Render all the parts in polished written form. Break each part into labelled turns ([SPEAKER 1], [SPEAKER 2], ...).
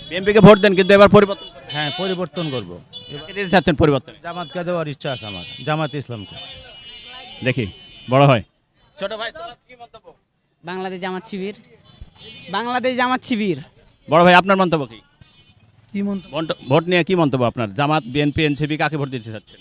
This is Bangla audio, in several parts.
[SPEAKER 1] বিএনপিকে ভোট দেন কিন্তু এবার পরিবর্তন করবেন।
[SPEAKER 2] হ্যাঁ, পরিবর্তন করব।
[SPEAKER 1] কাকে দিতে চাচ্ছেন পরিবর্তন?
[SPEAKER 2] জামাতকে দেওয়ার ইচ্ছা আছে আমার, জামাত ইসলামকে।
[SPEAKER 1] দেখি বড় হয়। ছোট ভাই তোমার কি মন্তব্য?
[SPEAKER 3] বাংলাদেশ জামাত শিবির, বাংলাদেশ জামাত শিবির।
[SPEAKER 1] বড় ভাই আপনার মন্তব্য কি?
[SPEAKER 4] কি মন্তব্য?
[SPEAKER 1] ভোট নিয়ে কি মন্তব্য আপনার? জামাত, বিএনপি, এনসিপি কাকে ভোট দিতে চাচ্ছেন?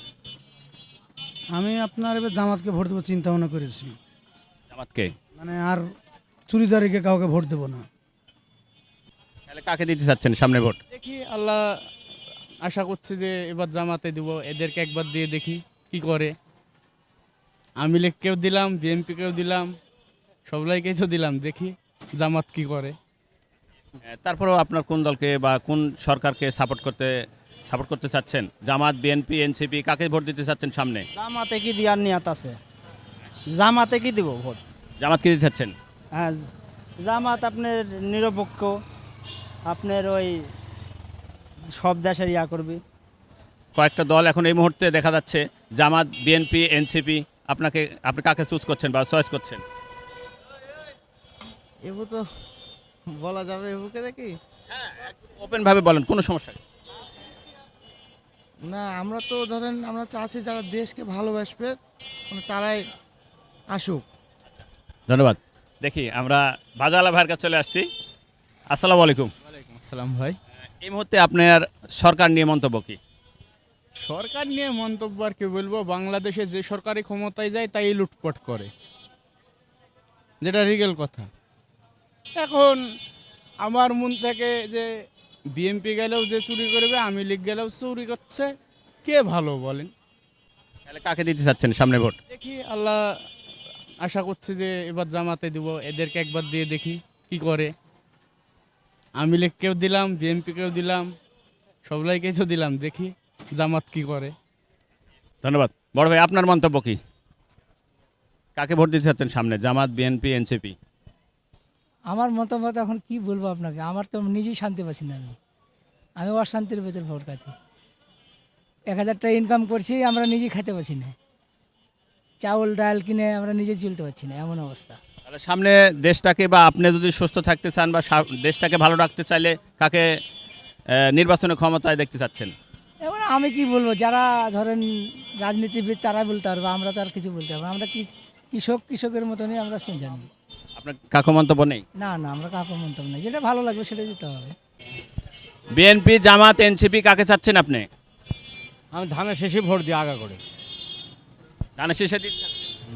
[SPEAKER 4] আমি আপনার এবার জামাতকে ভোট দেবো চিন্তা ভাবনা করেছি।
[SPEAKER 1] জামাতকে?
[SPEAKER 4] মানে আর চুরিদারিকে কাউকে ভোট দেবো না।
[SPEAKER 1] তাহলে কাকে দিতে চাচ্ছেন সামনে ভোট?
[SPEAKER 5] দেখি আল্লাহ, আশা করছি যে এবার জামাতে দিব, এদেরকে একবার দিয়ে দেখি কি করে। আমি লীগকেও দিলাম, বিএনপিকেও দিলাম, সবলাইকেই তো দিলাম, দেখি জামাত কি করে।
[SPEAKER 1] তারপরেও আপনার কোন দলকে বা কোন সরকারকে সাপোর্ট করতে চাচ্ছেন? জামাত, বিএনপি, এনসিপি কাকে ভোট দিতে চাচ্ছেন সামনে?
[SPEAKER 6] জামাতে কি দেওয়ার নিয়ত আছে? জামাতে কি দিব ভোট?
[SPEAKER 1] জামাতকে দিতে চাচ্ছেন?
[SPEAKER 6] হ্যাঁ, জামাত আপনার নিরপেক্ষ, আপনার ওই সব দেশের ইয়া করবে।
[SPEAKER 1] কয়েকটা দল এখন এই মুহূর্তে দেখা যাচ্ছে, জামাত, বিএনপি, এনসিপি। আপনি কাকে চুজ করছেন বা চয়েস করছেন?
[SPEAKER 7] এবু তো বলা যাবে, এবুকে দেখি
[SPEAKER 1] ওপেন ভাবে বলেন, কোনো সমস্যা নেই।
[SPEAKER 7] না। আমরা তো ধরেন আমরা চাচ্ছি যারা দেশকে ভালোবাসবে মানে তারাই আসুক।
[SPEAKER 1] ধন্যবাদ। দেখি আমরা বাজালা ভাইয়ের কাছে চলে আসছি। আসসালামু আলাইকুম।
[SPEAKER 5] আসসালাম ভাই।
[SPEAKER 1] এই মুহূর্তে আপনার সরকার নিয়ে মন্তব্য কি?
[SPEAKER 5] সরকার নিয়ে মন্তব্য আর কি বলবো, বাংলাদেশে যে সরকারি ক্ষমতায় যায় তাই লুটপাট করে, যেটা রিগেল কথা। এখন আমার মন থেকে যে বিএনপি গেলেও যে চুরি করবে, আমি লীগ গেলেও চুরি করছে, কে ভালো বলেন?
[SPEAKER 1] তাহলে কাকে দিতে চাচ্ছেন সামনে ভোট?
[SPEAKER 5] দেখি আল্লাহ, আশা করছি যে এবার জামাতে দিব, এদেরকে একবার দিয়ে দেখি কি করে। আমি লীগকেও দিলাম, বিএনপিকেও দিলাম, সবলাইকেই তো দিলাম, দেখি জামাত কি করে।
[SPEAKER 1] ধন্যবাদ। বড় ভাই আপনার মন্তব্য কি? কাকে ভোট দিতে চাচ্ছেন সামনে? Jamaat, BNP, NCP?
[SPEAKER 8] আমার মতামত এখন কি বলবো আপনাকে, আমার তো নিজেই শান্তি পাচ্ছি না। আমি অশান্তির ভেতর ভোট কাছি। 1000 টাকা ইনকাম করছি, আমরা নিজেই খেতে পারছি না। চাউল ডাল কিনে আমরা নিজে চলতে পারছি না, এমন অবস্থা।
[SPEAKER 1] তাহলে সামনে দেশটাকে বা আপনি যদি সুস্থ থাকতে চান বা দেশটাকে ভালো রাখতে চাইলে কাকে নির্বাচনের ক্ষমতায় দেখতে চাচ্ছেন?
[SPEAKER 8] এবার আমি কি বলবো, যারা ধরেন রাজনীতিবিদ তারা বলতে পারবে, আমরা তো আর কিছু বলতে পারবো না। আমরা কৃষকের মতনই আমরা জানি।
[SPEAKER 1] আপনার কাকু মন্তব্য নেই?
[SPEAKER 8] না না, আমরা কাউকে মন্তব্য নেই, যেটা ভালো লাগবে সেটা দিতে হবে।
[SPEAKER 1] বিএনপি, জামাত, এনসিপি কাকে চাচ্ছেন আপনি?
[SPEAKER 6] আমি ধানের শেষে ভোট দিই আগা করে।
[SPEAKER 1] ধানের শীষে দিতে চাচ্ছেন?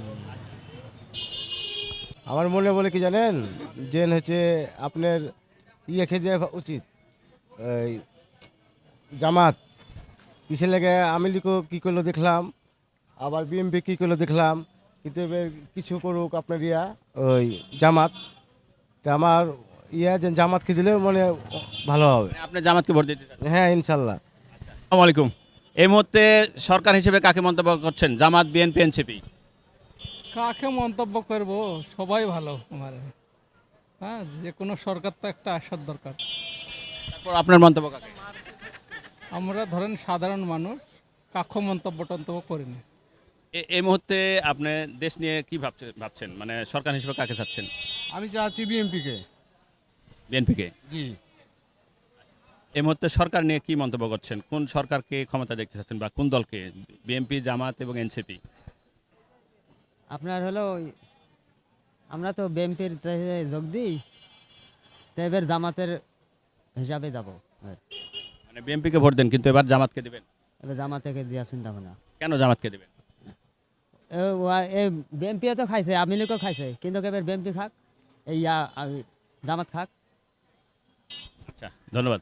[SPEAKER 9] আমার মনে বলে কি জানেন, যে হচ্ছে আপনার খেয়ে দেওয়া উচিত। এই জামাত কিসের লেগে, আমি লিখো কী করলো দেখলাম, আবার বিএমপি কী করলো দেখলাম, কিন্তু এবার কিছু করুক আপনার ওই জামাত। তা আমার যে জামাতকে দিলে মানে ভালো হবে।
[SPEAKER 1] আপনি জামাতকে ভোট দিতে চাচ্ছেন?
[SPEAKER 9] হ্যাঁ, ইনশাল্লাহ।
[SPEAKER 1] আসসালামু আলাইকুম। এই মুহূর্তে সরকার হিসেবে কাকে মন্তব্য করছেন? Jamaat, BNP, NCP?
[SPEAKER 5] কাকে মন্তব্য করব, সবাই ভালো আমার। হ্যাঁ, যে কোনো সরকার তো একটা আসার দরকার।
[SPEAKER 1] তারপর আপনার মন্তব্য কাকে?
[SPEAKER 5] আমরা ধরেন সাধারণ মানুষ, কাক্ষ মন্তব্য টন্তব্য করি না।
[SPEAKER 1] এই মুহূর্তে আপনি দেশ নিয়ে কি ভাবছেন মানে সরকার হিসেবে কাকে চাচ্ছেন?
[SPEAKER 7] আমি চাচ্ছি বিএমপিকে।
[SPEAKER 1] বিএনপিকে?
[SPEAKER 7] জি।
[SPEAKER 1] এই মুহূর্তে সরকার নিয়ে কি মন্তব্য করছেন? কোন সরকারকে ক্ষমতা দেখতে চাচ্ছেন বা কোন দলকে? বিএনপি, জামাত এবং এনসিপি?
[SPEAKER 3] আপনার হলো আমরা তো বিএনপির যোগ দিই, তো এবার জামাতের হিসাবে যাব।
[SPEAKER 1] মানে বিএনপিকে ভোট দেন কিন্তু এবার জামাতকে দিবেন?
[SPEAKER 3] এবার জামাতেকে দেওয়ার চিন্তা ভাবনা।
[SPEAKER 1] কেন জামাতকে দিবেন?
[SPEAKER 3] বিএনপিও তো খাইছে, আমি লীগও খাইছে, কিন্তু এবার বিএনপি খাক, এই জামাত খাক।
[SPEAKER 1] আচ্ছা, ধন্যবাদ।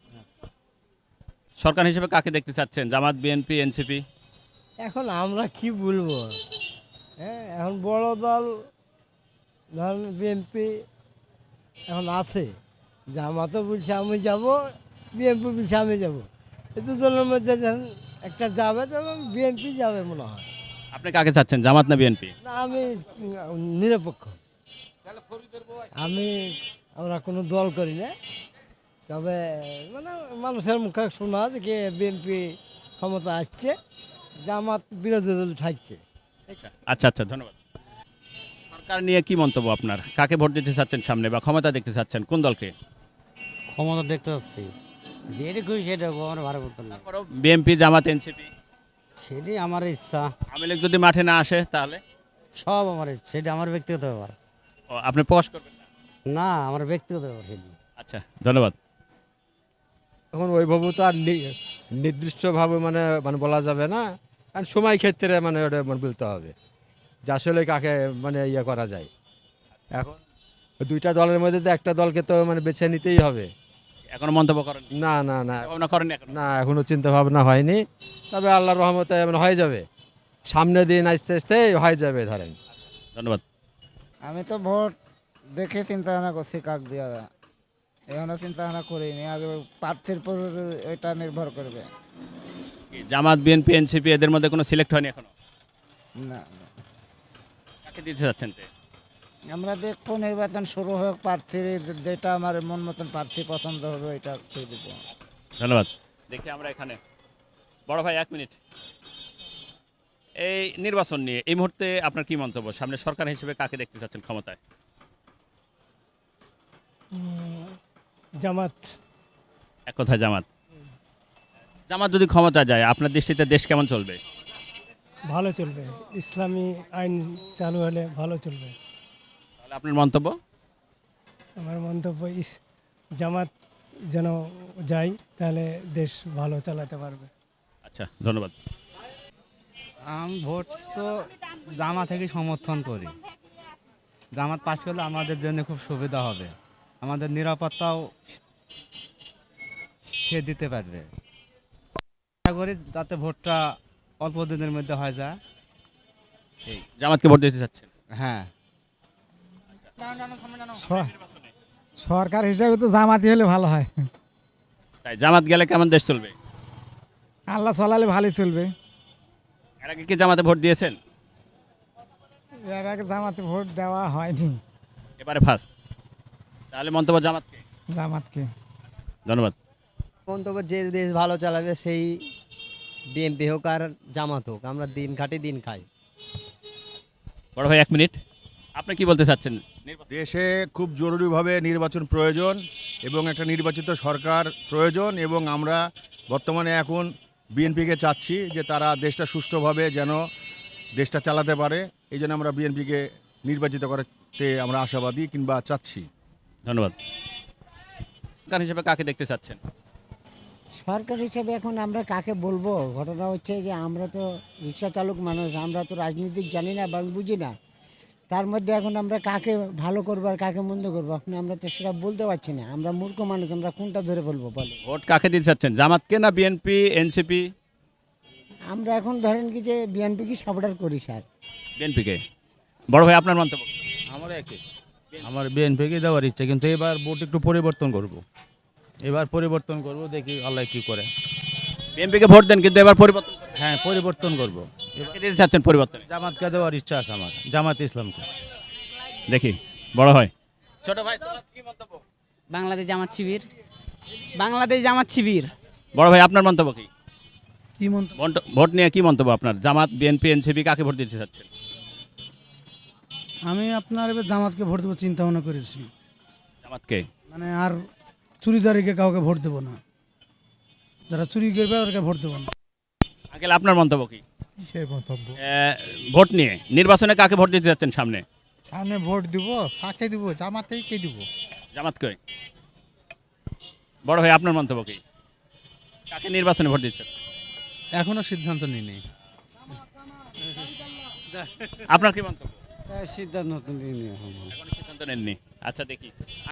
[SPEAKER 1] সরকার হিসেবে কাকে দেখতে চাচ্ছেন? Jamaat, BNP, NCP?
[SPEAKER 8] এখন আমরা কি বলবো, হ্যাঁ এখন বড় দল ধরেন বিএনপি এখন আছে, জামাতও বলছে আমি যাব, বিএনপি বলছে আমি যাব। এই দুজনের মধ্যে যখন একটা যাবে তখন বিএনপি যাবে মনে হয়।
[SPEAKER 1] আপনি কাকে চাচ্ছেন, জামাত না বিএনপি?
[SPEAKER 8] না, আমি নিরপেক্ষ। আমরা কোনো দল করি না, তবে মানে মানুষের মুখে শোনা যে বিএনপি ক্ষমতা আসছে, জামাত বিরোধী দল থাকছে।
[SPEAKER 1] আচ্ছা আচ্ছা, ধন্যবাদ। সরকার নিয়ে কি মন্তব্য আপনার? কাকে ভোট দিতে চাচ্ছেন সামনে বা ক্ষমতা দেখতে চাচ্ছেন? কোন দলকে?
[SPEAKER 2] ক্ষমতা দেখতে পাচ্ছি যেটা খুশি সেটা আমার ভালো করতে না
[SPEAKER 1] বিএনপি জামাত এনসিপি
[SPEAKER 2] সেটাই আমার ইচ্ছা
[SPEAKER 1] আওয়ামী লীগ যদি মাঠে না আসে তাহলে
[SPEAKER 2] সব আমার ইচ্ছা সেটা আমার ব্যক্তিগত ব্যাপার
[SPEAKER 1] আপনি প্রকাশ করবেন না?
[SPEAKER 2] না আমার ব্যক্তিগত ব্যাপার সেটা
[SPEAKER 1] আচ্ছা ধন্যবাদ।
[SPEAKER 9] এখন ওইভাবে তো আর নির্দিষ্টভাবে মানে মানে বলা যাবে না, কারণ সময় ক্ষেত্রে মানে ওটা মানে বলতে হবে যে আসলে কাকে মানে ইয়ে করা যায়। এখন ওই দুইটা দলের মধ্যে তো একটা দলকে তো মানে বেছে নিতেই হবে।
[SPEAKER 1] এখনো মন্তব্য করেন
[SPEAKER 9] না না না
[SPEAKER 1] ভাবনা করেন এখন?
[SPEAKER 9] না, এখনো চিন্তা ভাবনা হয়নি, তবে আল্লাহর রহমতে মানে হয়ে যাবে, সামনের দিন আস্তে আস্তে হয়ে যাবে ধরেন।
[SPEAKER 1] ধন্যবাদ।
[SPEAKER 6] আমি তো ভোট দেখে চিন্তা ভাবনা করছি কাক দেওয়া যায় এখনো চিন্তা ভাবনা করিনি আগে প্রার্থীর উপর এটা নির্ভর করবে
[SPEAKER 1] কি জামাত বিএনপি এনসিপি এদের মধ্যে কোনো সিলেক্ট হয়নি এখনো?
[SPEAKER 6] না
[SPEAKER 1] কাকে দিতে যাচ্ছেন তে?
[SPEAKER 6] আমরা দেখবো নির্বাচন শুরু হোক প্রার্থীর যেটা আমার মন মতন প্রার্থী পছন্দ হবে এটা করে দেবো
[SPEAKER 1] ধন্যবাদ। দেখি আমরা এখানে বড় ভাই 1 মিনিট, এই নির্বাচন নিয়ে এই মুহূর্তে আপনার কি মন্তব্য? সামনে সরকার হিসেবে কাকে দেখতে চাচ্ছেন ক্ষমতায়?
[SPEAKER 8] জামাত।
[SPEAKER 1] এক কথায় জামাত। জামাত যদি ক্ষমতা যায় আপনার দৃষ্টিতে দেশ কেমন চলবে?
[SPEAKER 8] ভালো চলবে, ইসলামী আইন চালু হলে ভালো চলবে।
[SPEAKER 1] তাহলে আপনার মন্তব্য?
[SPEAKER 8] আমার মন্তব্য জামাত যেন যাই, তাহলে দেশ ভালো চালাতে পারবে।
[SPEAKER 1] আচ্ছা ধন্যবাদ।
[SPEAKER 2] আমি ভোট তো জামাত থেকে সমর্থন করি। জামাত পাশ করলে আমাদের জন্য খুব সুবিধা হবে, আমাদের নিরাপত্তাও সে দিতে পারবে। আশা করি যাতে ভোটটা অল্প দিনের মধ্যে হয়ে যায়।
[SPEAKER 1] জামাতকে ভোট দিতে চাচ্ছেন?
[SPEAKER 2] হ্যাঁ,
[SPEAKER 6] সরকার হিসাবে তো জামাতি হলে ভালো হয়
[SPEAKER 1] তাই জামাত গেলে কেমন দেশ চলবে?
[SPEAKER 6] আল্লাহ চলালে ভালোই চলবে
[SPEAKER 1] এর আগে কি জামাতে ভোট দিয়েছেন?
[SPEAKER 6] এর আগে জামাতে ভোট দেওয়া হয়নি,
[SPEAKER 1] এবারে ফার্স্ট। তাহলে মন্তব্য জামাতকে?
[SPEAKER 6] জামাতকে।
[SPEAKER 1] ধন্যবাদ।
[SPEAKER 3] মন্তব্য যে দেশ ভালো চালাবে সেই বিএনপি হোক আর জামাত হোক, আমরা দিন খাটি দিন খাই।
[SPEAKER 1] বড় ভাই 1 মিনিট, আপনি কি বলতে চাচ্ছেন?
[SPEAKER 10] দেশে খুব জরুরিভাবে নির্বাচন প্রয়োজন এবং একটা নির্বাচিত সরকার প্রয়োজন, এবং আমরা বর্তমানে এখন বিএনপিকে চাচ্ছি যে তারা দেশটা সুষ্ঠুভাবে যেন দেশটা চালাতে পারে, এই জন্য আমরা বিএনপিকে নির্বাচিত করতে আমরা আশাবাদী কিংবা চাচ্ছি।
[SPEAKER 1] ধন্যবাদ। সরকার হিসেবে কাকে দেখতে চাচ্ছেন?
[SPEAKER 6] সরকার হিসেবে এখন আমরা কাকে বলবো, ঘটনা হচ্ছে যে আমরা তো রিক্সা চালক মানুষ, আমরা তো রাজনীতিক জানি না বা বুঝি না, তার মধ্যে এখন আমরা কাকে ভালো করবো আর কাকে মন্দ করবো এখন আমরা তো সেটা বলতে পারছি না, আমরা মূর্খ মানুষ, আমরা কোনটা ধরে বলবো বলে।
[SPEAKER 1] ভোট কাকে দিতে চাচ্ছেন, জামাতকে না বিএনপি এনসিপি?
[SPEAKER 6] আমরা এখন ধরেন কি যে বিএনপি কি সাপোর্টার করি স্যার।
[SPEAKER 1] বিএনপিকে। বড় ভাই আপনার মন্তব্য?
[SPEAKER 2] আমার একই, আমার বিএনপিকে দেওয়ার ইচ্ছা, কিন্তু এবার ভোট একটু পরিবর্তন করব। এবার পরিবর্তন করব, দেখি আল্লাহ কি করে।
[SPEAKER 1] বিএনপিকে ভোট দেন কিন্তু এবার পরিবর্তন করবেন?
[SPEAKER 2] হ্যাঁ, পরিবর্তন করব।
[SPEAKER 1] কাকে দিতে চাচ্ছেন পরিবর্তন?
[SPEAKER 2] জামাতকে দেওয়ার ইচ্ছা আছে আমার, জামাত ইসলামকে।
[SPEAKER 1] দেখি বড় ভাই। ছোট ভাই তোমার কি মন্তব্য?
[SPEAKER 3] বাংলাদেশ জামাত শিবির, বাংলাদেশ জামাত শিবির।
[SPEAKER 1] বড় ভাই আপনার মন্তব্য কি?
[SPEAKER 4] কি মন্তব্য?
[SPEAKER 1] ভোট নিয়ে কি মন্তব্য আপনার? জামাত বিএনপি এনসিপি কাকে ভোট দিতে চাচ্ছেন?
[SPEAKER 4] আমি আপনার এবার জামাতকে ভোট দেবো চিন্তা ভাবনা করেছি,
[SPEAKER 1] জামাতকে।
[SPEAKER 4] মানে আর চুরিদারিকে কাউকে ভোট দেবো না, যারা চুরি করবে ওদেরকে ভোট দেবো না।
[SPEAKER 1] আঙ্কেল আপনার মন্তব্য কি?
[SPEAKER 8] কিসের মন্তব্য?
[SPEAKER 1] ভোট নিয়ে নির্বাচনে কাকে ভোট দিতে যাচ্ছেন সামনে?
[SPEAKER 8] সামনে ভোট দিব, কাকে দিব? জামাতেই কে দিব?
[SPEAKER 1] জামাতকে। বড় ভাই আপনার মন্তব্য কি? কাকে নির্বাচনে ভোট দিচ্ছেন?
[SPEAKER 2] এখনো সিদ্ধান্ত নিইনি।
[SPEAKER 1] আপনার কি মন্তব্য?
[SPEAKER 2] সিদ্ধান্ত নিইনি।
[SPEAKER 1] এখনো সিদ্ধান্ত নেননি। আচ্ছা দেখি